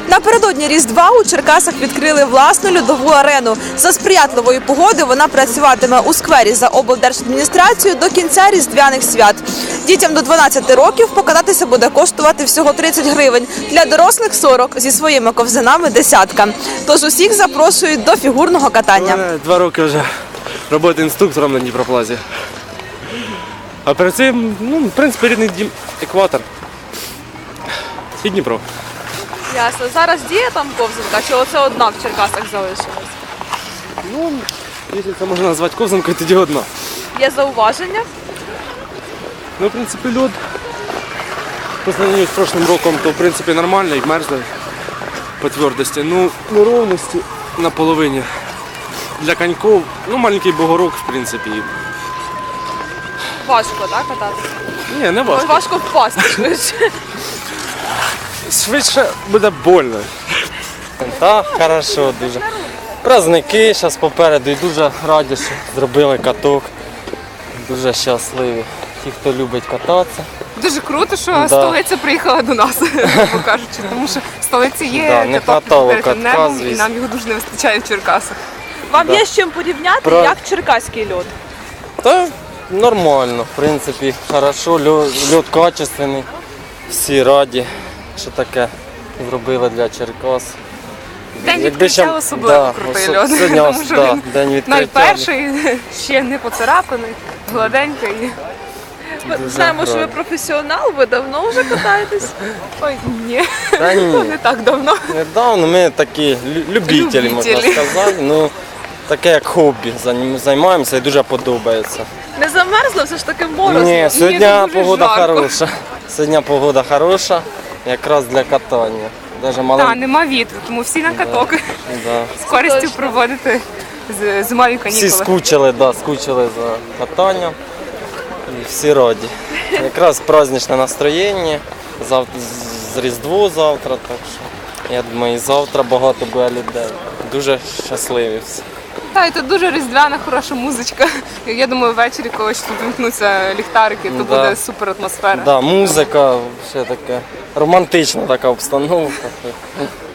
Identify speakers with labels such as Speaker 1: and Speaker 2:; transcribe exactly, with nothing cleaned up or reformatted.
Speaker 1: Напередодні Різдва у Черкасах відкрили власну льодову арену. За сприятливої погоди вона працюватиме у сквері за облдержадміністрацією до кінця різдвяних свят. Дітям до дванадцяти років покататися буде коштувати всього тридцять гривень. Для дорослих – сорок, зі своїми ковзанами – десятка. Тож усіх запрошують до фігурного катання.
Speaker 2: Два роки вже роботи інструктором на Дніпроплазі. А перед цим, ну, в принципі, рідний дім екватор і Дніпро.
Speaker 1: Ясно. Зараз діє там ковзанка, чи оце одна в Черкасах залишилась?
Speaker 2: Ну, якщо це можна назвати ковзанкою, тоді одна.
Speaker 1: Є зауваження?
Speaker 2: Ну, в принципі, льод по сравнению з прошлым роком, то в принципі нормально і мерзлий по твердості. Ну, неровності на половині. Для коньков, ну, маленький бугорок, в принципі.
Speaker 1: Важко, так, кататися?
Speaker 2: Ні, не важко.
Speaker 1: Важко впасти швидше.
Speaker 2: Швидше буде больно.
Speaker 3: Так, хорошо, дуже. Праздники зараз попереду і дуже раді, що зробили каток. Дуже щасливі. Ті, хто любить кататися.
Speaker 4: Дуже круто, що
Speaker 3: Да.
Speaker 4: столиця приїхала до нас, грубо кажучи, тому що в столиці є
Speaker 3: Да, не
Speaker 4: каток
Speaker 3: хватало
Speaker 4: перед
Speaker 3: катка,
Speaker 4: небом, і
Speaker 3: звісно.
Speaker 4: нам його дуже не вистачає в Черкасах.
Speaker 1: Вам
Speaker 3: Да.
Speaker 1: є з чим порівняти,
Speaker 3: Про-
Speaker 1: як черкаський льод?
Speaker 3: Та нормально, в принципі, хорошо, льод, льод качественний. Всі раді, що таке зробили для Черкас.
Speaker 4: День
Speaker 3: Якби
Speaker 4: відкриття
Speaker 3: ще-
Speaker 4: особливо
Speaker 3: да,
Speaker 4: крутий
Speaker 3: осо-
Speaker 4: льод,
Speaker 3: сьогодні
Speaker 4: тому що
Speaker 3: да,
Speaker 4: він
Speaker 3: день відкриття.
Speaker 4: найперший, ще не поцарапаний, гладенький.
Speaker 1: Ми
Speaker 3: Дуже
Speaker 1: знаємо, що ви
Speaker 3: гарно.
Speaker 1: професіонал, ви давно вже катаєтесь.
Speaker 4: Ой, ні,
Speaker 3: Та ні.
Speaker 4: не так давно.
Speaker 3: Недавно ми такі лю- любителі, можна
Speaker 4: Любителі.
Speaker 3: сказати. Ну, таке як хобі, займ- займаємося і дуже подобається.
Speaker 1: Не замерзло, все ж таки морозно.
Speaker 3: Ні, сьогодні
Speaker 4: дуже
Speaker 3: погода
Speaker 4: жарко.
Speaker 3: хороша. Сьогодні погода хороша, якраз для катання. Даже
Speaker 4: Так,
Speaker 3: малим...
Speaker 4: нема вітру, тому всі на каток
Speaker 3: да.
Speaker 4: з користю
Speaker 1: точно.
Speaker 4: проводити з- зимові
Speaker 3: Всі
Speaker 4: канікули.
Speaker 3: скучили, да, скучили за катанням. І всі раді. Якраз праздничне настроєння, зав... з Різдво завтра, так що я думаю, і завтра багато буде людей. Дуже щасливі всі.
Speaker 4: Так, і тут дуже різдвяна, хороша музичка. Я думаю, ввечері, коли ще тут вимкнуться ліхтарики, то
Speaker 3: Да.
Speaker 4: буде супер атмосфера.
Speaker 3: Да, музика, ще таке романтична така обстановка.